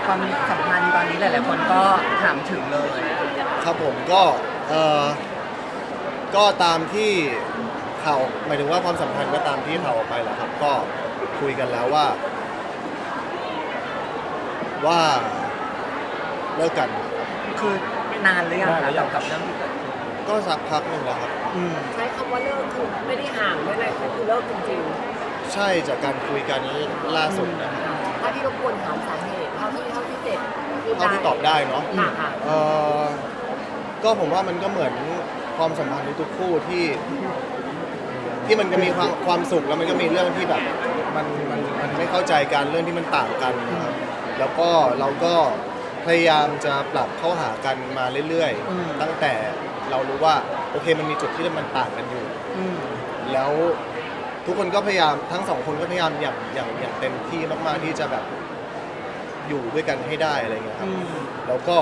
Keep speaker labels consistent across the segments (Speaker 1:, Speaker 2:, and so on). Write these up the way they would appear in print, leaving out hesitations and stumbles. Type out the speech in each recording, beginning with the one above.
Speaker 1: ความสัมพันธ์ตอนนี้หลายๆคนก็ถามถึงเลย
Speaker 2: ครับผมก็ตามที่ข่าวหมายถึงว่าความสัมพันธ์ก็ตามที่ข่าวออกไปแหละครับก็คุยกันแล้วว่าเลิกกัน
Speaker 1: คือนานหรือยังคะกับเรื่องที่เกิดขึ้น
Speaker 2: ก็สักพักหนึ่งแล้วครับ
Speaker 3: ใช้คำว่าเลิกคือไม่ได้ห่างไม่อะไรคือเลิกจริง
Speaker 2: ใช่จากการคุยกันล่าสุดนะครับ
Speaker 3: ๆถ้าที่รบกวนถามสาเหตุเท่าที่เจ็บ
Speaker 2: เท่าที่ตอบได้เนาะก็ผมว่ามันก็เหมือนความสัมพันธ์ทุกคู่ที่มันจะมีความสุขแล้วมันก็มีเรื่องที่แบบมันไม่เข้าใจกันเรื่องที่มันต่างกันนะครับแล้วก็เราก็พยายามจะปรับเข้าหากันมาเรื่อยๆตั้งแต่เรารู้ว่าโอเคมันมีจุดที่มันต่างกันอยู่แล้วทุกคนก็พยายามทั้งสองคนก็พยายามอย่างเต็มที่มากๆที่จะแบบอยู่ด้วยกันให้ได้อะไรเงี้ยครับแล้วก็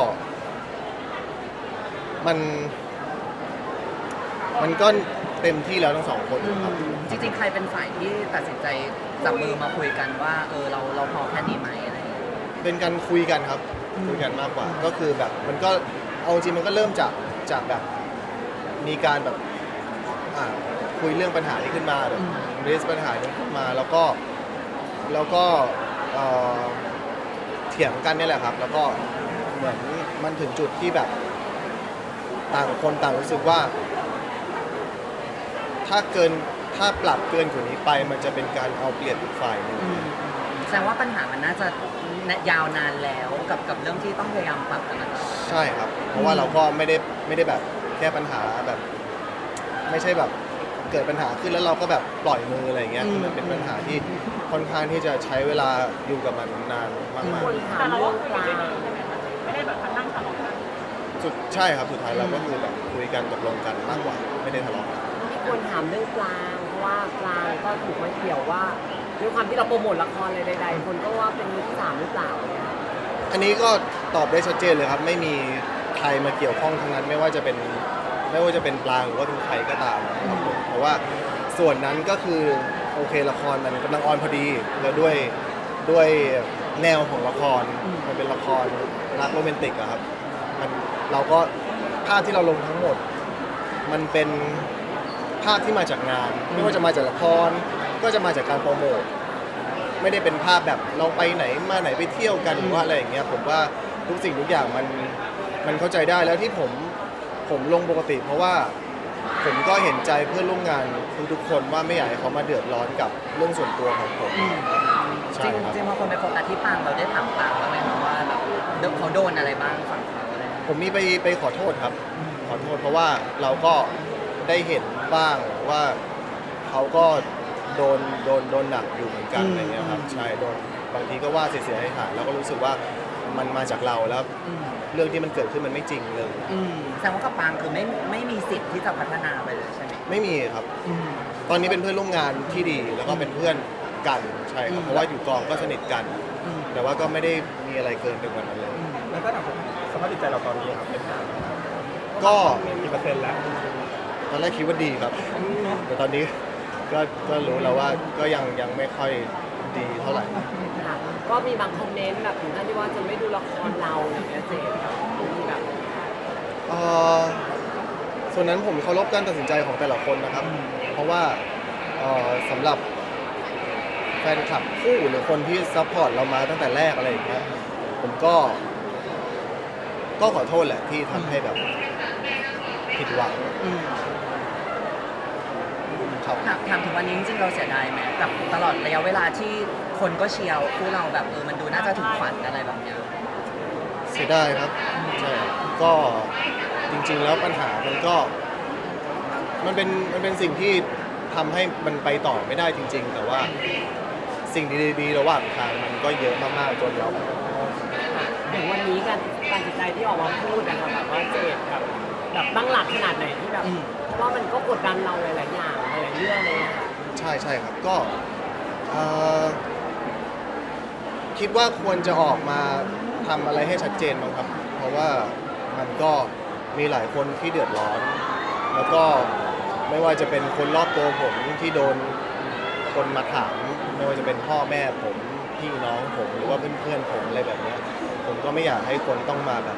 Speaker 2: มันก็เต็มที่แล้วทั้งสองคนครับ
Speaker 1: จริงๆใครเป็นฝ่ายที่ตัดสินใจจับมือมาคุยกันว่าเราพอแค่นี้ไหมอะไร
Speaker 2: เป็นการคุยกันครับคุยกันมากกว่าก็คือแบบมันก็เอาจริงมันก็เริ่มจากแบบมีการแบบคุยเรื่องปัญหานี้ขึ้นมาแบบเรสปัญหานี้ขึ้นมาแล้วก็เถียงกันนี่แหละครับแล้วก็เหมือนมันถึงจุดที่แบบต่างคนต่างรู้สึกว่าถ้าปรับเกินกว่านี้ไปมันจะเป็นการเอาเปรียบอีกฝ่ายนึง
Speaker 1: แสดงว่าปัญหามันน่าจะยาวนานแล้วกับเรื่องที่ต้องพยายามปรับกันนะ
Speaker 2: ใช่ครับเพราะว่าเราก็ไม่ได้แบบแก้ปัญหาแบบไม่ใช่แบบเกิดปัญหาขึ้นแล้วเราก็แบบปล่อยมืออะไรเงี้ยมันเป็นปัญหาที่ค่อนข้างที่จะใช้เวลาอยู่กับมันนานมาก
Speaker 3: ๆแต่เราก็คุยกัน
Speaker 4: ไม่ได้แบบนั่งทะเลาะกัน
Speaker 2: ใช่ครับสุดท้ายเราก็คือแบบคุยกันตกลงกันมากกว่าไม่ได้ทะเลาะกัน
Speaker 3: มีคนถามเรื่องปลางเพราะว่าปลางก็ถูกมาเกี่ยวว่าด้วยความที่เราโปรโมทละครอะไรใดๆคนก็ว่าเป็นมือที่3หรือเปล่า
Speaker 2: อันนี้ก็ตอบได้ชัดเจนเลยครับไม่มีใครมาเกี่ยวข้องทั้งนั้นไม่ว่าจะเป็นปลางหรือว่าเป็นใครก็ตามครับผมเพราะว่าส่วนนั้นก็คือโอเคละครมันกำลังออนพอดีแล้วด้วยแนวของละครมันเป็นละครรักโรแมนติกอะครับเราก็ภาพที่เราลงทั้งหมดมันเป็นภาพที่มาจากงานไม่ว่าจะมาจากละครก็จะมาจากการโปรโมทไม่ได้เป็นภาพแบบเราไปไหนมาไหนไปเที่ยวกันหรือว่าอะไรอย่างเงี้ยผมว่าทุกสิ่งทุกอย่างมันเข้าใจได้แล้วที่ผมลงปกติเพราะว่าผมก็เห็นใจเพื่อนร่วมงานทุกคนว่าไม่อยากให้เขามาเดือดร้อนกับเรื่องส่วนตัวของผม
Speaker 1: ใช่ครับจริงๆพอคนไปโฟกัสที่ปางเราได้ถามปางบ้างไหมครับว่าแบบเขาโดนอะไรบ้างฝั่งเขาอะไร
Speaker 2: ผมมีไปขอโทษครับขอโทษเพราะว่าเราก็ได้เห็นบ้างว่าเขาก็โดนหนักอยู่เหมือนกันอะไรเงี้ยครับใช่โดนบางทีก็ว่าเสียหายแล้วก็รู้สึกว่ามันมาจากเราแล้วเรื่องที่มันเกิดขึ้นมันไม่จริงเลย
Speaker 1: แสดงว่ากับปางคือไม่มีสิทธิ์ที่จะพัฒนาไปเลยใช่ไหม
Speaker 2: ไม่มีครับตอนนี้เป็นเพื่อนร่วมงานที่ดีแล้วก็เป็นเพื่อนกันใช่ครับเพราะว่าอยู่กองก็สนิทกันแต่ว่าก็ไม่ได้มีอะไรเกินไปกว่านั้นเลย
Speaker 4: แล้วก็สภาพจิตใจเราตอนนี้ครับเป็น
Speaker 2: ก็
Speaker 4: กี่เปอร์เซ็นต์แล้ว
Speaker 2: ตอนแรกคิดว่าดีครับแต่ตอนนี้ก็รู้แล้วว่าก็ยังไม่ค่อยดีเท่าไหร่
Speaker 3: ก็มีบางคอมเมนต์แบบถึงขั้นที่ว่าจะไม่ดูละครเราอย่างเงี้ยเจ๊มีแบบ
Speaker 2: ส่วนนั้นผมเคารพการตัดสินใจของแต่ละคนนะครับเพราะว่าสำหรับแฟนคลับคู่หรือคนที่ซัพพอร์ตเรามาตั้งแต่แรกอะไรอย่างเงี้ยผมก็ขอโทษแหละที่ทำให้แบบผิดหวัง
Speaker 1: ถามถึงวันนี้จริงๆเราเสียดายไหมกับตลอดระยะเวลาที่คนก็เชียร์คู่เราแบบมันดูน่าจะถึงฝันอะไรแบบเนี้ย
Speaker 2: เสียดายครับใช่ก็จริงๆแล้วปัญหามันเป็นสิ่งที่ทำให้มันไปต่อไม่ได้จริงๆแต่ว่าสิ่งดีๆระหว่างทางมันก็เยอะมากๆจนเรา
Speaker 3: อย่างวันนี้การตัดสินใจที่ออกมาพูดนะคะแบบว่าเจดแบบตั้งหลักขนาดไหนที่แบบเพราะว่ามันก็กดดันเราหลายๆอย่างหลายๆเรื่องเลยค่ะ
Speaker 2: ใช่ครับก็คิดว่าควรจะออกมาทำอะไรให้ชัดเจนบ้างครับเพราะว่ามันก็มีหลายคนที่เดือดร้อนแล้วก็ไม่ว่าจะเป็นคนรอบตัวผมที่โดนคนมาถามไม่ว่าจะเป็นพ่อแม่ผมพี่น้องผมหรือว่าเพื่อนๆผมอะไรแบบนี้ผมก็ไม่อยากให้คนต้องมาแบบ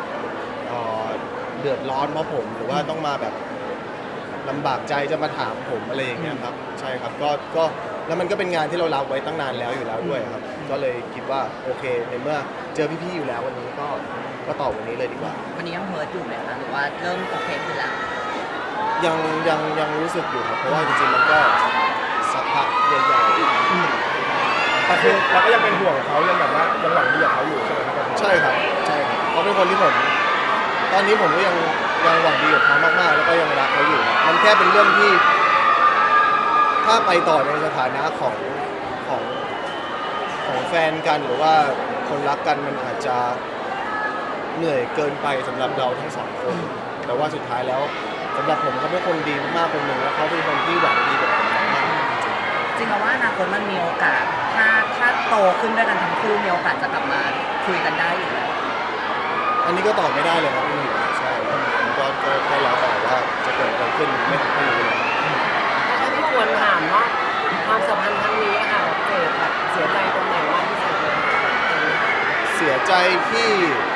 Speaker 2: เดือดร้อนเพราะผมหรือว่าต้องมาแบบลำบากใจจะมาถามผมอะไรอย่างเงี้ยครับใช่ครับก็แล้วมันก็เป็นงานที่เรารับไว้ตั้งนานแล้วอยู่แล้วด้วยครับก็เลยคิดว่าโอเคในเมื่อเจอพี่ๆอยู่แล้ววันนี้ก็ตอบวันนี้เลยดีกว่า
Speaker 1: วันนี้ยังเฮิร์ตอยู่ไหมคะหรือว่าเริ่มโอเคขึ้นแล้ว
Speaker 2: ยังรู้สึกอยู่ครับเพราะว่าจริงๆมันก็สักพักใหญ่ๆ
Speaker 4: แต่คือเราก็ยังเป็นห่วงเขายังแบบว่ายังหวังดีกับเขาอยู่ใช่ไหมครับ
Speaker 2: ใช่ครับใช่ครับเขาเป็นคนที่ผมตอนนี้ผมก็ยังหวังดีกับเขามากๆแล้วก็ยังรักเขาอยู่ครับมันแค่เป็นเรื่องที่ถ้าไปต่อในสถานะของของแฟนกันหรือว่าคนรักกันมันอาจจะเหนื่อยเกินไปสำหรับเราทั้งสองคนแต่ว่าสุดท้ายแล้วสำหรับผมเขาเป็นคนดีมากๆคนหนึ่งแล้วเขาเป็นคนที่หวังดีกับผมมากๆ
Speaker 1: จริงๆว่าอนาคตมันมีโอกาสถ้าโตขึ้นด้วยกันทั้งคู่มีโอกาสจะกลับมาคุยกันได้อยู่แล้ว
Speaker 2: อันนี้ก็ตอบไม่ได้เลยครับใช่ผมก็แล้วแต่ว่าจะเกิดอะไรขึ้นไม่รู้เลย
Speaker 3: ถ้าพี่ควรถามว่าความสัมพันธ์ครั้งนี้อะค่ะแบบเจดแบบเสียใจตรงไหนมากที่สุดเลยค่ะแบบตรงนี้
Speaker 2: เสียใจที่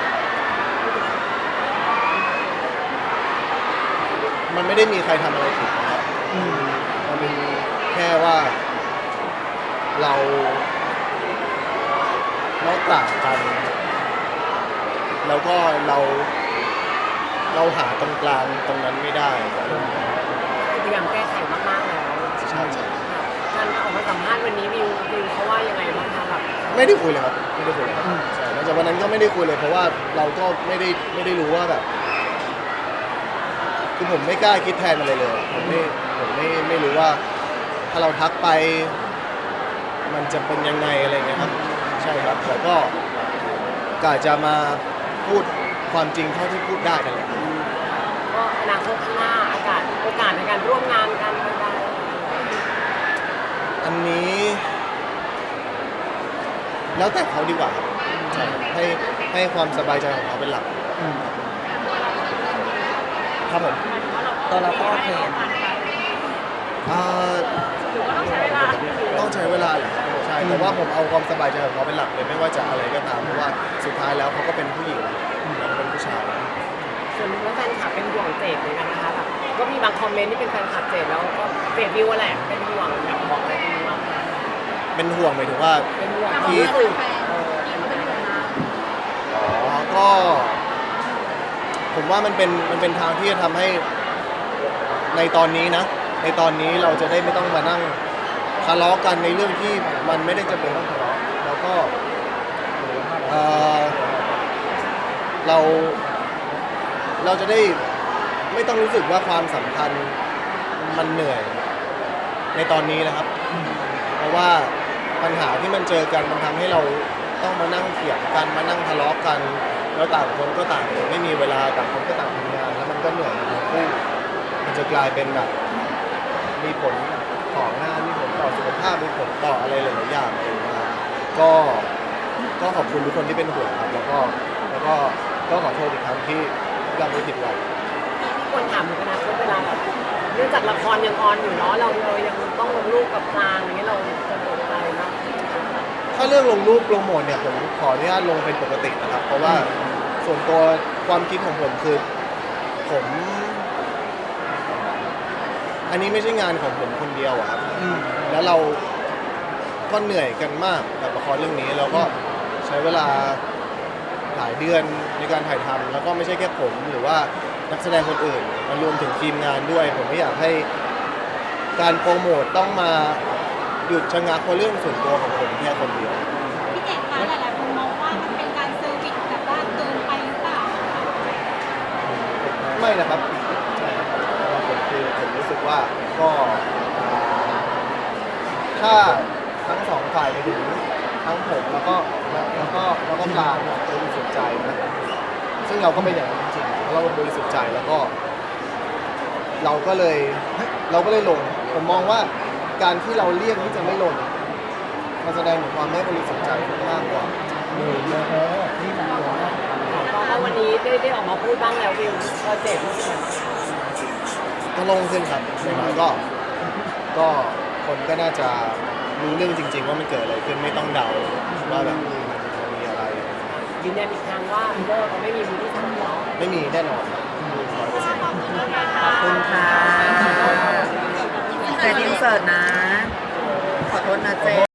Speaker 2: มันไม่ได้มีใครทำอะไรผิดนะครับมันเป็นแค่ว่าเราต่างกัน แล้วก็เราหาตรงกลางตรงนั้นไม่ได้
Speaker 3: พยายามแก้ไขมากๆแล้ว
Speaker 2: ใช่
Speaker 3: การออกมาสัมภาษณ์วันนี้วิวเขาว่ายังไงบ้างคะแบบ
Speaker 2: ไม่ได้คุยเลยครับไม่ได้คุยเลยครับใช่หลังจากวันนั้นก็ไม่ได้คุยเลยเพราะว่าเราก็ไม่ได้รู้ว่าแบบคือผมไม่กล้าคิดแทนอะไรเลยผมไม่รู้ว่าถ้าเราทักไปมันจะเป็นยังไงอะไรเงี้ยครับใช่ครับแต่ก็กะจะมาพูดความจริงเท่าที่พูดได้กันแหละ
Speaker 3: ก็อนาคตข้างหน้าโอกาสในการร่วมงานกันได้
Speaker 2: อันนี้แล้วแต่เขาดีกว่าครับใช่ให้ความสบายใจของเขาเป็นหลักครับผม
Speaker 1: ตัวเราก็โอเค
Speaker 4: หรือว่าต้องใช้เวลา
Speaker 2: ต้องใช้เวลาแหละใช่แต่ว่าผมเอาความสบายใจของเขาเป็นหลักเลยไม่ว่าจะอะไรก็ตามเพราะว่าสุดท้ายแล้วเขาก็เป็นผู้หญิงเราเป็นผู้ชาย
Speaker 3: ส่วนแล้วแฟนคลับเป็นห่วงเจดเหมือนกันนะคะแบบก็มีบางคอมเมนต์ที่เป็นแฟนคลับเจดแล้วก็เจดวิวแหละเป็นห่วงอยากบอกอะไรคุณบ้างคะ
Speaker 2: เป็นห่วงหมายถึงว่า
Speaker 3: เป็นห่วง
Speaker 2: ที่
Speaker 3: ที่สุด
Speaker 2: ก็ผมว่ามันเป็นทางที่จะทำให้ในตอนนี้นะในตอนนี้เราจะได้ไม่ต้องมานั่งทะเลาะกันในเรื่องที่มันไม่ได้จำเป็นต้องทะเลาะแล้วก็เราจะได้ไม่ต้องรู้สึกว่าความสัมพันธ์มันเหนื่อยในตอนนี้นะครับ เพราะว่าปัญหาที่มันเจอกันมันทำให้เราต้องมานั่งเถียงกันมานั่งทะเลาะกันแล้วต่างคนก็ต่างไม่มีเวลาต่างคนก็ต่างทำงานแล้วมันก็เหนื่อยทั้งคู่มันจะกลายเป็นแบบมีผลต่องานมีผลต่อสุขภาพมีผลต่ออะไรหลายๆอย่างเลยนะก็ขอบคุณทุกคนที่เป็นห่วงครับแล้วก็ขอโทษอีกครั้งที่ยังไม่ผิดหวัง
Speaker 3: ที่ควรถามถึงอนาคตเวลาแบบเนื่องจากละครยังออนอยู่เนาะเรายังต้องลงรูปกับกลางอย่างเงี้ยเราจะสนใจมาก
Speaker 2: ถ้าเรื่องลงรูปโปรโมทเนี่ยผมขออนุญาตลงเป็นปกตินะครับ เพราะว่าส่วนตัวความคิดของผมคือผมอันนี้ไม่ใช่งานของผมคนเดียวอะครับแล้วเราก็เหนื่อยกันมากกับละครเรื่องนี้แล้วก็ใช้เวลาหลายเดือนในการถ่ายทำแล้วก็ไม่ใช่แค่ผมหรือว่านักแสดงคนอื่นมันรวมถึงทีมงานด้วย ผมไม่อยากให้การโปรโมทต้องมาหยุดชะงักเพราะเรื่องส่วนตัวของผมแค่คนเดียว
Speaker 5: พี่เจดคะหลายๆคนมองว่ามันเป็นการเซอร์วิสแบบว่าเกินไปหรือเปล่า
Speaker 2: ไม่นะครับใช่ครับสำหรับผมคือผมรู้สึกว่าก็ถ้าทั้งสองฝ่ายไปถึงทั้งผมแล้วก็ปลาเนี่ยบริสุทธิ์ใจนะซึ่งเราก็เป็นอย่างนั้นจริงๆเพราะเราบริสุทธิ์ใจแล้วก็เราก็เลยลงผมมองว่าการที่เราเลี่ยงที่จะไม่ลงมันแสดงถึงความไม่บริสุทธิ์ใจมากกว่า
Speaker 3: ก็วันนี้ได้ออกมาพูดบ้างแล้ววิวก็เจ็บรู้สึก
Speaker 2: ก็โลงขึ้นครับอย่างน้อยก็คนก็น่าจะรู้เรื่องจริง ๆ ว่ามันเกิดอะไรขึ้นไม่ต้องเดาว่าแบบมันมีอะไร
Speaker 3: ดียืนยันอีกครั้งว่าเลิกไม่มีมือที่สามเนาะ
Speaker 2: ไม่มีแน่นอน100%
Speaker 1: ขอบคุณค่ะเจนอินเสิร์ตนะ ขอโทษนะเจ